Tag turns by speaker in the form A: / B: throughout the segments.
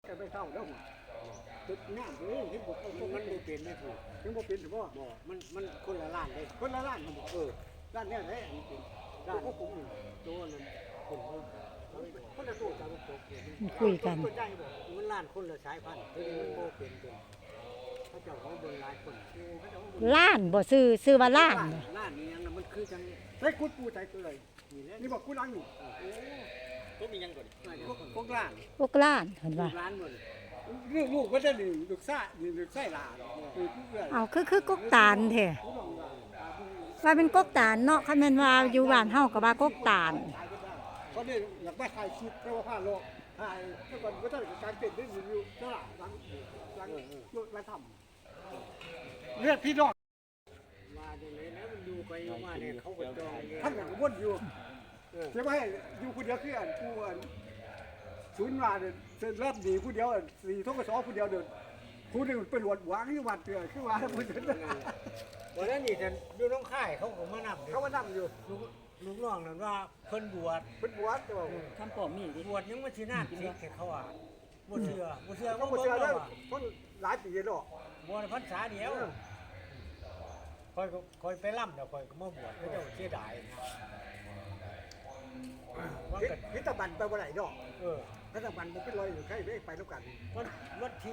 A: จะไปเท่าแล้วตึกน้ำเลยที่บอกมันบ่เป็นไม่ถูกยังบ่เป็นถือว่าบ่มันคนละล้านเลยคนละล้านมันบอกล้านเนี่ยแหละอันนี้เป็นล้านพวกผมตัวนั้นคนละตัวกันตก
B: คุยกัน
A: ตัวใหญ่บ่มันล้านคนละสายพันธุ์ตัวนี้มันบ่เป็นตัวเขาเจ้าเขาเบิ่งหลายคนเขาเจ้าเบิ่ง
B: ล้านบ่ซื้อว่าล้านบ่
A: ล้านนี่ยังมันคือจังเฮ้ยกูปูใจตัวเลยนี่บอกกูล้านอยู่ก็มียังก่อนพวกล้าน
B: พวกล้านเห็นว่า
A: ล้านหมดลูกก็จะนี่ลูกซ่านี่ลูกไส้ลาคือผู้เอื้อ
B: เอาคือกกตาลแท้ว่าเป็นกกตาลเนาะคันแม่นว่าอยู่บ้านเฮาก็ว่ากกตาล
A: เขาเนี่ยอยากไปถ่ายคลิปเพราะว่าผ้าโลกถ่ายเมื่อก่อนก็ท่านการเต้นได้อยู่ตลาดหลังมาทำเลือดพี่น้องมาเดี๋ยวนี้นะมันดูไปมาเนี่ยเขาก็จองท่านก็วนอยู่ใช่ไหมอยู่คนเดียวคืออันกูอันศูนย์มาเนี่ยเริ่มดีผู้เดียวสี่ทกศผู้เดียวเดินผู้หนึ่งไปหลวดหวางที่วัดเตือขึ้นมาแล้วผู้เดินวันนั้นนี่แต่ดูน้องค่ายเขาก็มานั่งเขามานั่งอยู่ลูกน้องนั่นว่าเพิ่นบวชแต่ว่า
C: คำปอมมีดิ
A: บวชยังไม่ชีนาสิแค่เขาอ่ะบ่เชื่อเขาบ่เชื่อแล้วคนหลายปีแล้วบวชพรรษาเดียวคอยไปล่ำเดี๋ยวคอยก็มาบวชเขาเจ้าเสียดายนะพิธบันไปบ่ไหนดอกพิธบันมันเป็นรอยอยู่ใครไม่ไปแล้วกันวันที่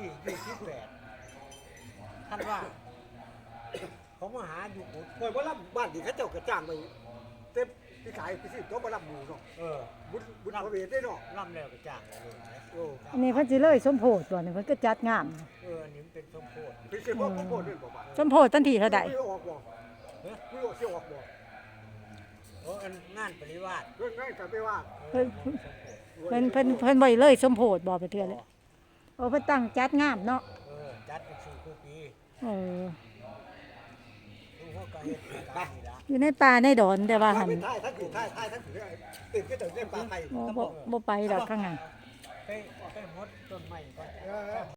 A: 28ท่านว่าเขามาหาอยู่กุดคอยบ่ล่ำบ้านที่เขาเจ้ากระจ้างไปเต็มที่ขายไปสิตัวบ่ล่ำหมู่เนาะบุญพระเวทได้เนาะล่ำแล้วกระจ้างเลย
B: อันนี้เพิ่นสิเลยสมโพธิบ่นี่เพิ่นก็จัดงาม
A: อันนี้มันเป็นสมโพธิเป็นสมโพธิด้วยบ่บ่
B: สมโพธิทันทีเท่าใด
A: ไม่ออกบ่ไม่ออกสิออกบ่อันงานปริวาสเรื่องงานกับปริวาส
B: เพิ่นบ่เลยสมโพธิบ่ไปเทื่อเลยโอ้เพิ่นตั้งจัดงามเนาะ
A: จัดเป็น4คู่ปี
B: เออ
A: ลูกพ่อก็เฮ็ดไปนี่ล่ะ
B: อยู่ในป่าในดอนแต่ว่าหั่น
A: ท้ายทั้งถือตื่นก็ตื่นเล่นปลาไทย
B: บ่ไปดอกข้างหน้า
A: ไปหดต้นไม้ก่อน